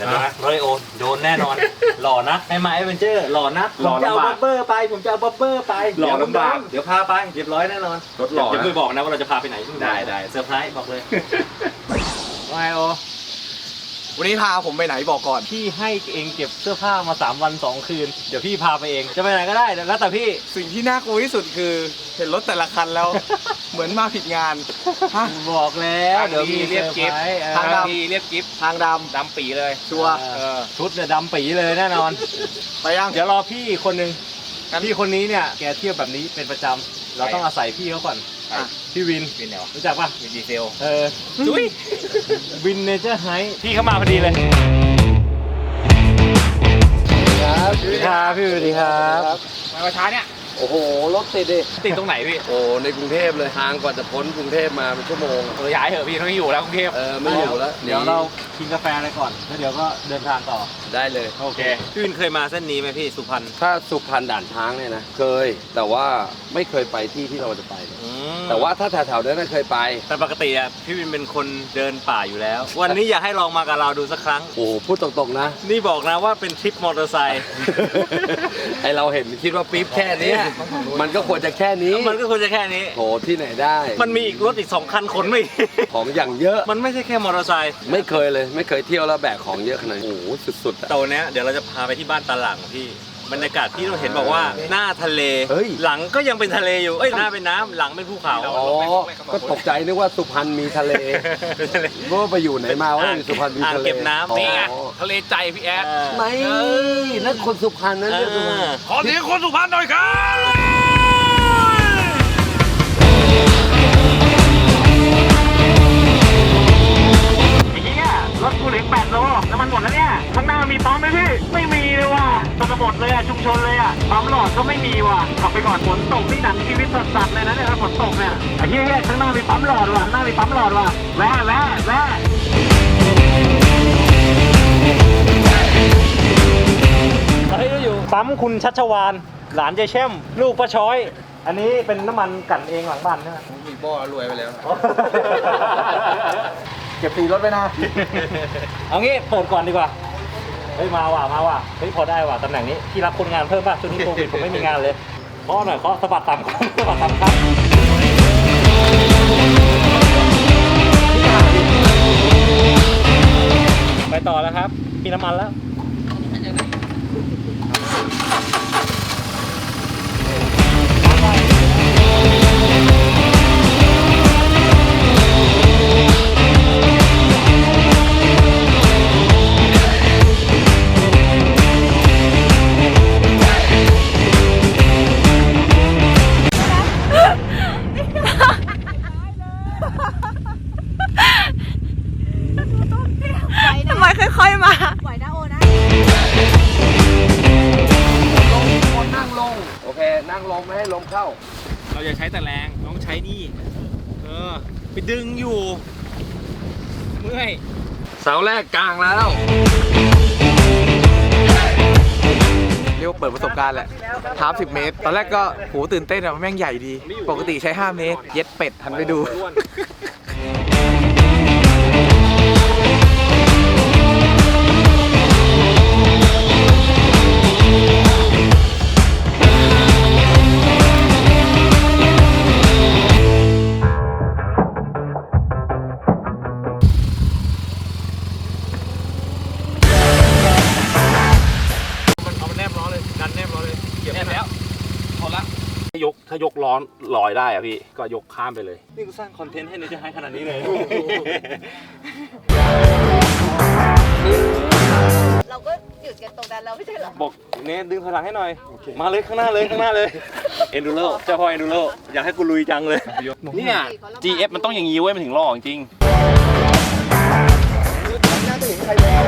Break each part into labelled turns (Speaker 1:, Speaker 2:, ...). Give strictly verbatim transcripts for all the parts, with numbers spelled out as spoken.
Speaker 1: นะโรเลโอโดนแน่นอนหล่อนะไอ้มาเอเวนเจอร์หล่อนะผมจะเอาบับเบอร์ไปผมจะเอาบับเบอร์ไปหล่อลำบากเดี๋ยวพาไปเรียบร้อยแน่นอนรถหล่อจะไม่บอกนะว่าเราจะพาไปไหนได้ได้เซอร์ไพรส์บอกเลยว่าไงโอ
Speaker 2: วันนี้พาผมไปไหนบอกก่อน
Speaker 1: พี่ให้เองเก็บเสื้อผ้ามาสามวันสองคืนเดี๋ยวพี่พาไปเองจะไปไหนก็ได้แล้วแต่พี่
Speaker 2: สิ่งที่น่ากลัวที่สุดคือเห็นรถแต่ละคันแล้ว เหมือนมาผิดงาน
Speaker 1: บอกแล้วเดี๋ยวมี
Speaker 2: เรียกกิฟต์ทางดำเรียกกิฟต์ทางดำดำปีเลยชัวร์
Speaker 1: ชุดเนี่ยดำปีเลยแน่นอน
Speaker 2: ไปยัง
Speaker 1: เดี๋ยวรอพี่คนหนึ่งพี่คนนี้เนี่ยแกเที่ยวแบบนี้เป็นประจำเราต้องอาศัยพี่เขาก่อนพี่วินวินเหรอรู้จักป่ะวินดีเซลเออจุ้ยวินเนเจอร์ไฮพี่เข้ามาพอดีเลย
Speaker 2: ครับ
Speaker 1: สวัสดีครับพี่สวัสดีครับ
Speaker 2: มาช้าเนี่ย
Speaker 3: โอ้โหรถติดดิ
Speaker 1: ติดตรงไหนพี่
Speaker 3: โอ้ในกรุงเทพเลยทางกว่าจะพ้นกรุงเทพมาเป็นชั่วโมง
Speaker 1: เออย้ายเถอะพี่ไม่อยู่แล้วกรุงเทพ
Speaker 3: เออไม่อยู่แล้ว
Speaker 1: เดี๋ยวเรากินกาแฟอะไรก่อนแล้วเดี๋ยวก็เดินทางต่อ
Speaker 3: ได้เลย
Speaker 1: โอเคพี่วินเคยมาเส้นนี้ไหมพี่สุพรรณ
Speaker 3: ถ้าสุพรรณด่านช้างเนี่ยนะเคยแต่ว่าไม่เคยไปที่ที่เราจะไปแต่ว่าถ้าแถวๆนั้นเคยไป
Speaker 1: แต่ปกติอ่ะพี่วินเป็นคนเดินป่าอยู่แล้ววันนี้อยากให้ลองมากับเราดูสักครั้ง
Speaker 3: โอ้พูดตรงๆนะ
Speaker 1: นี่บอกนะว่าเป็นทริปมอเตอร์ไซค์
Speaker 3: ไอเราเห็นคิดว่าปี๊บแค่นี้มันก็ควรจะแค่นี้
Speaker 1: มันก็ควรจะแค่นี้
Speaker 3: โหที่ไหนได้
Speaker 1: มันมีอีกรถอีกสองคันขนไม่
Speaker 3: ของอย่างเยอะ
Speaker 1: มันไม่ใช่แค่มอเตอร์ไซค์
Speaker 3: ไม่เคยเลยไม่เคยเที่ยวแล้วแบกของเยอะขนาดนี้โอ้โหสุดๆ
Speaker 1: ตอนนี้เดี๋ยวเราจะพาไปที่บ้านตาหลังพี่บรรยากาศที่เราเห็นบอกว่าหน้าทะเลหลังก็ยังเป็นทะเลอยู่เอ้ยหน้าเป็นน้ำหลังเป็นภูเขา
Speaker 3: อ๋อก็ตกใจนึกว่าสุพรรณมีทะเลว่าไปอยู่ไหนมาว่าสุพรรณมีทะเล
Speaker 1: เก็บน้ำ
Speaker 2: นี่ไงทะเลใจพี่แอด
Speaker 3: ไม่นั่นคนสุพรรณนั่นเรียกสุพรรณ
Speaker 2: ขอเสียงคนสุพรรณหน่อยครับ
Speaker 1: รถกูเหลือแปดโลน้ำมันหมดแล้วเนี่ยข้างหน้ามีปั๊มไหมพี่ไม่มีเลยว่ะตกหมดเลยอ่ะชุมชนเลยอ่ะปั๊มหลอดก็ไม่มีว่ะขับไปก่อนฝนตกที่หนังชีวิตสัตว์เลยนะเนี่ยฝนตกเนี่ยไอ้เหี้ยข้างหน้ามีปั๊มหลอดว่ะข้างหน้ามีปั๊มหลอดว่ะแวะแวะแวะตอนนี้เราอยู่ปั๊มคุณชัชวานหลานเจเช่มลูกป้าช้อยอันนี้เป็นน้ำมันกั่นเองหลังบ้านใช่ไหม
Speaker 2: มีบ่อรวยไปแล้ว
Speaker 1: เก็บตีรถไปนะ เอางี้เปิดก่อนดีกว่าเฮ้ยมาว่ะมาว่ะเฮ้ยพอได้ว่ะตำแหน่งนี้ที่รับคนงานเพิ่มป่ะช่วงนี้โควิดผมไม่มีงานเลยเคาะหน่อยเคาะสะบัดต่ำสะบัดต่ำครับไปต่อแล้วครับมีน้ำมันแล้ว
Speaker 4: ทำไมค่อยๆมาไหวนะโอนะ
Speaker 3: ลงคนนั่งลงโอเคนั่งลงไม่ให้ลมเข้า
Speaker 1: เราอย่าใช้แต่แรงต้องใช้นี่เออไปดึงอยู่เมื่อย
Speaker 3: เสาแรกกลางแล้ว
Speaker 2: เรียกว่าเปิดประสบการณ์แหละทาร์ฟสิบเมตรตอนแรกก็โหตื่นเต้นอะแม่งใหญ่ดีปกติใช้ห้าเมตรเย็ดเป็ดทันไปดู
Speaker 1: ยกถ้ายกล้อลอยได้อะพี่ก็ยกข้ามไปเลยนี่กูสร้างคอนเทนต์ให้ในจะให้ขนาดนี้เลย
Speaker 4: เราก็หยุดกันตรงนั้นแล้วไม่ใช่หรอ
Speaker 1: บอกเนทดึงพลังให้หน่อยมาเลยข้างหน้าเลยข้างหน้าเลยเอ็นดูโร่เจ้าพ่อเอ็นดูโร่อยากให้กูลุยจังเลยเนี่ย จี เอฟ มันต้องอย่างนี้เว้ยมันถึงหล่อจริงน่าจะเห็นใครแล้ว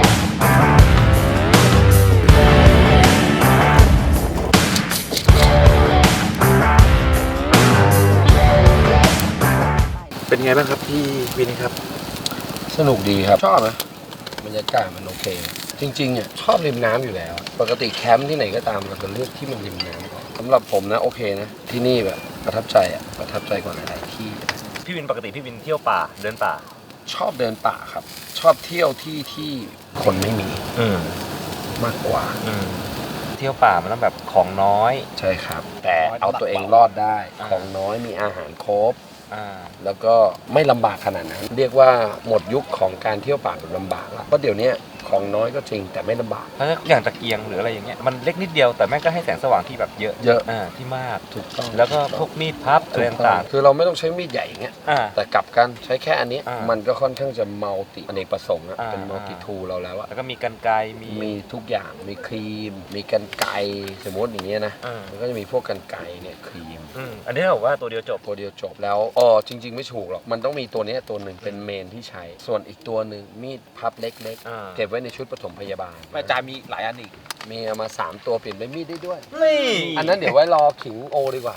Speaker 2: เป็นไงบ้างครับพี่วินครับ
Speaker 3: สนุกดีครับชอบนะบรรยากาศมันโอเคจริงๆเนี่ยชอบริมน้ำอยู่แล้วปกติแคมป์ที่ไหนก็ตามเราจะเลือกที่มันริมน้ำก่อนสำหรับผมนะโอเคนะที่นี่แบบประทับใจอ่ะประทับใจกว่าหลายๆที่
Speaker 1: พี่วินปกติพี่วินเที่ยวป่าเดินป่า
Speaker 3: ชอบเดินป่าครับ ชอบเที่ยวที่ที่คนไม่มี
Speaker 5: อืม
Speaker 3: มากกว่า
Speaker 5: อืมเที่ยวป่ามันต้องแบบของน้อย
Speaker 3: ใช่ครับ แต่เอาตัวเองรอดได้
Speaker 5: อ่า
Speaker 3: ของน้อยมีอาหารครบ
Speaker 5: อ่า
Speaker 3: แล้วก็ไม่ลำบากขนาดนั้น เรียกว่าหมดยุคของการเที่ยวป่าแบบลำบากแล้วเพราะเดี๋ยวนี้ของน้อยก็จริงแต่ไม่ลำบาก
Speaker 5: เพราะอย่างตะเกียงหรืออะไรอย่างเงี้ยมันเล็กนิดเดียวแต่แม่งก็ให้แสงสว่างที่แบบเยอะ
Speaker 3: เยอะ
Speaker 5: อ่าที่มาก
Speaker 3: ถูกต้อง
Speaker 5: แล้วก็พวกมีดพับอะไรต่าง
Speaker 3: คือเราไม่ต้องใช้มีดใหญ่อย่างเงี้ย
Speaker 5: ๆอ่า
Speaker 3: แต่กลับกันใช้แค่อันนี้
Speaker 5: อ่ามั
Speaker 3: มันก็ค่อนข้างจะมัลติอเนกประสงค์อะ
Speaker 5: อ่า
Speaker 3: เป็นมัลติทูเราแล้วอะ
Speaker 5: แล้วก็มีกันไกรมี
Speaker 3: มีทุกอย่างมีครีม มีกันไกรสมมติอย่างเงี้ยนะ
Speaker 5: อ่า
Speaker 3: มันก็จะมีพวกกันไกรเนี่ยครีม
Speaker 5: อืมอันนี้เราบอกว่าตัวเดียวจบ
Speaker 3: ตัวเดียวจบแล้วอ๋อจริง ๆ ไม่ถูกหรอกมันต้องมีตัวเนี้ยตัวหนึ่งเป็นเมนที่ใช้ ส่วนอีกตัวหนึ่งมีดพับเล็ก
Speaker 5: อ่า
Speaker 3: ๆ เก็บไว้ในชุดปฐมพยาบาล
Speaker 2: อาจารย์มีหลายอันอีก
Speaker 3: มีเอามาสามตัวเปลี่ยนเป็นมีดได้ด้วย
Speaker 5: นี่
Speaker 3: อันนั้นเดี๋ยวไว้รอขิงโอดีกว่า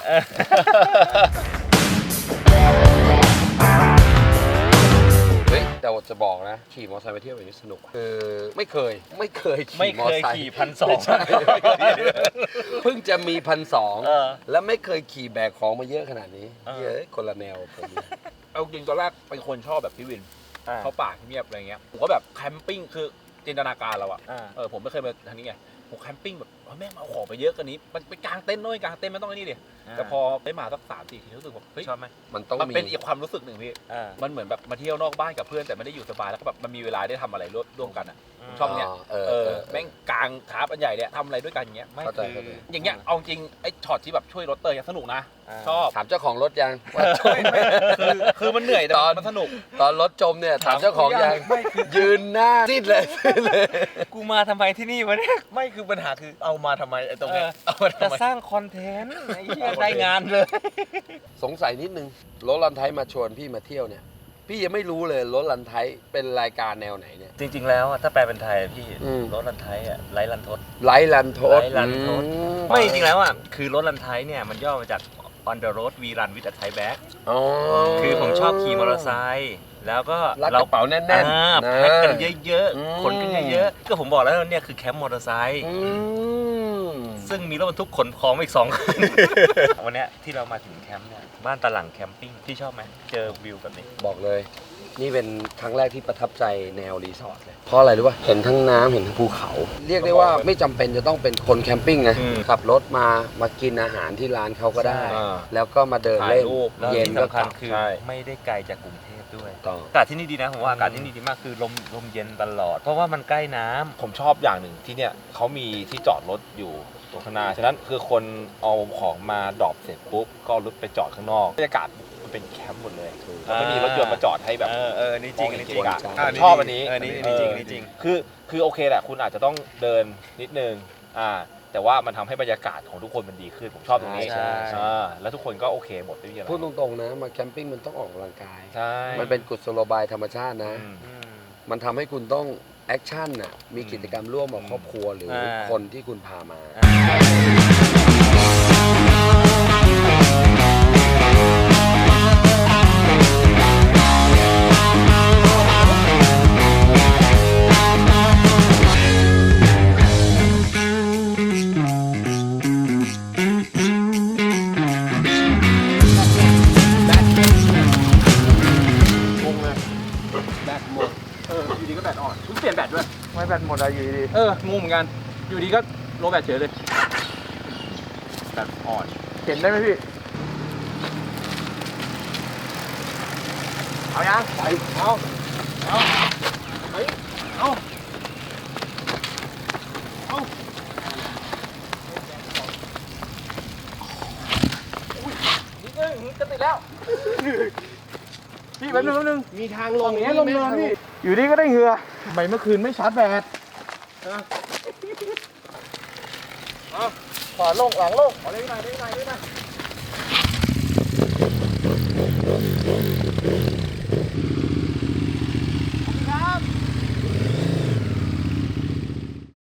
Speaker 3: เฮ้ยแต่ว่าจะบอกนะ ขี่มอเตอร์ไซค์ไปเที่ยวแบบนี้สนุกอะคือไม่เคยไม่เคย
Speaker 5: ไม่
Speaker 3: ขี่มอ
Speaker 5: เค
Speaker 3: เตอร์ไซค์
Speaker 5: ยขี่พันสอง
Speaker 3: ไม่ใช่เพิ่งจะมีพันสอง
Speaker 5: เออ
Speaker 3: แล้วไม่เคยขี่แบกของมาเยอะขนาดนี้
Speaker 5: เออ
Speaker 3: เยอะคนละแนวผม
Speaker 2: เอาจริงตอนแรกเป็นคนชอบแบบพี่วิน
Speaker 5: อ่า
Speaker 2: เข้าป่าเงียบอะไรเงี้ยผมก็แบบแคมปิ้งคือจินตนาการเราอะ
Speaker 5: อ่า
Speaker 2: เออผมไม่เคยมาทางนี้ไงผมแคมปิ้งแบบเฮ้ยแม่งเอาของไปเยอะกันนี้มันไปกางเต็นท์ด้วยกางเต็นท์ไม่ต้องไอ้นี่ดิแต่พอได้มาสักสามสี่ทีรู้สึกว่าเฮ้ย
Speaker 5: ชอบไหม
Speaker 3: มันต้อง
Speaker 2: มัน
Speaker 3: มี
Speaker 2: เป็นอีกความรู้สึกหนึ่งพี่
Speaker 5: อ่า
Speaker 2: มันเหมือนแบบมาเที่ยวนอกบ้านกับเพื่อนแต่ไม่ได้อยู่สบายแล้วก็แบบมันมีเวลาได้ทำอะไรร่วมร่วมกันอะ ชอบเนี่ย
Speaker 3: เออ
Speaker 2: เอ
Speaker 3: เอ
Speaker 2: อ
Speaker 3: อ
Speaker 2: แม่งกลางทาร์ปอันใหญ่เนี่ยทำอะไรด้วยกันอย่างเงี้ย
Speaker 5: ไม่
Speaker 3: เข้าใจ
Speaker 5: คือ
Speaker 3: เข้าใจ
Speaker 2: อย่างเงี้ยเอาจริงไอ้ช็อตที่แบบช่วยรถเตยยังสนุกนะ
Speaker 5: อ่า
Speaker 2: ชอบ
Speaker 3: ถามเจ้าของรถยังว่าจมไหม
Speaker 2: คือคือมันเหนื่อยแต่
Speaker 3: ตอน
Speaker 2: มันสนุก
Speaker 3: ตอนรถจมเนี่ยถามเจ้าของยัง
Speaker 5: ไม่คือ
Speaker 3: ยืนหน้าซีดเลยซีดเลย
Speaker 5: กูมาทำไมที่นี่วะเนี่ย
Speaker 2: ไม่คือปัญหาคือเอามาทำไมไอ้ตรงเนี้ย
Speaker 5: เออ
Speaker 2: เอามา
Speaker 5: จะ
Speaker 2: ทำไม
Speaker 5: สร้างคอนเทนต์ไอ้เหี้ยได้งานเลย
Speaker 3: สงสัยนิดนึงรถลันไทยมาชวนพี่มาเที่ยวเนี่ย พี่ยังไม่รู้เลยรถลันไทยเป็นรายการแนวไหนเนี่ย
Speaker 5: จริง ๆ แล้วอะถ้าแปลเป็นไทยอะพี่
Speaker 3: อืม
Speaker 5: รถลันไทยอ่ะไร้ลันทด
Speaker 3: ไลท์ลันโทส
Speaker 5: ไลท์ลันโทส
Speaker 3: อื
Speaker 5: ไม่จริงๆแล้วอ่ะคือรถลันไทยเนี่ยมันย่อมาจาก on the road we run with a Thai bag
Speaker 3: อ๋อ
Speaker 5: คือผมชอบขี่มอเตอร์ไซค์แล้วก็
Speaker 3: รัดกระเป๋าแน่นๆ
Speaker 5: อ่า
Speaker 3: นะ
Speaker 5: แพ็คกันเยอะ
Speaker 3: อืม
Speaker 5: ๆขนกันเยอะๆก็ผมบอกแล้วเนี่ยคือแคมป์มอเตอร์ไซค์
Speaker 3: อืม
Speaker 5: ซึ่งมีรถบรรทุกขนของมาอีกสองคัน วันเนี้ยที่เรามาถึงแคมป์เนี่ยบ้านตะหลังแคมปิ้งพี่ชอบไหมเจอวิวแบบนี้
Speaker 3: บอกเลย นี่เป็นครั้งแรกที่ประทับใจแนวรีสอร์ทเลย เพราะอะไรรู้ป่ะ เห็นทั้งน้ำเห็นทั้งภูเขา เรียกได้ว่าไม่จำเป็นจะต้องเป็นคนแคมปิ้งนะ
Speaker 5: อืม
Speaker 3: ขับรถมามากินอาหารที่ร้านเขาก็ได้
Speaker 2: อ่า
Speaker 3: แล้วก็มาเดินเล่น
Speaker 2: ถ่ายรูป
Speaker 5: แล้ว
Speaker 3: เย็น
Speaker 5: ที่
Speaker 3: ก็
Speaker 5: สำ
Speaker 3: ก
Speaker 5: คัญ
Speaker 3: ลับ
Speaker 5: คือ
Speaker 2: ใช่
Speaker 5: ไม่ได้ไกลจากกรุงเทพด้วย
Speaker 3: ต่อ
Speaker 5: อากาศที่นี่ดีนะผมว่าอากาศที่นี่ดีมากคือลมลมเย็นตลอด เพราะว่ามันใกล้น้ำ
Speaker 2: ผมชอบอย่างหนึ่งที่เนี่ยเขามีที่จอดรถอยู่ตรงข้างหน้าฉะนั้นคือคนเอาของมาดรอปเสร็จปุ๊บก็เอารถไปจอดข้างนอกบรรยากาศมันเป็นแคมป์หมดเลยแล้วไม่มีรถยนต์มาจอดให้แบบ
Speaker 5: เออเออนี่จริง
Speaker 2: มอ
Speaker 5: นี่
Speaker 2: เห็
Speaker 5: จริง
Speaker 2: บรรยากาศ
Speaker 3: อ่า
Speaker 2: ผมชอบอันนี้
Speaker 5: เออนี่นี่จริงนี่จริง
Speaker 2: คือคือโอเคแหละคุณอาจจะต้องเดินนิดนึงอ่าแต่ว่ามันทำให้บรรยากาศของทุกคนมันดีขึ้นผมชอบตรงนี้
Speaker 3: ใช่ใช่
Speaker 2: อ่าแล้วทุกคนก็โอเคหมดไม่มีอะไร
Speaker 3: พูดตรงๆนะ มาแคมปิ้งมันต้องออกกำลังกาย
Speaker 2: ใช่
Speaker 3: มันเป็นกุศโลบายธรรมชาตินะ
Speaker 2: อืม
Speaker 5: อืม
Speaker 3: มันทำให้คุณต้องแอคชั่นน่ะ มีกิจกรรมร่วมกับครอบครัวหรืออา คนที่คุณพามา
Speaker 2: งงเลยแบตหมดเอออยู่ดีก็แบตอ่อนคุณเปลี่ยนแบตด้วย
Speaker 6: ไม่แบตหมดอะอยู่ดี
Speaker 2: เอองงเหมือนกันอยู่ดีก็โลแบตเฉยเลยแบตอ่อน
Speaker 6: เห็นได้ไหมพี่
Speaker 2: เอายังไปเอาเอาเฮ้ยเอาเอาอุ้ยนิดนึงจะติดแล้ว
Speaker 6: พี่แป๊บนึงแป๊บนึง
Speaker 3: มีทางล
Speaker 6: ตรง งนี้ลงเนินพี่ อยู่ดีก็ได้เหงื่อทำไมเมื่อคืนไม่ชาร์จแบต
Speaker 2: ขอลงหลังลงขอเล่นหน่อยเล่นหน่อยเล่นหน่อย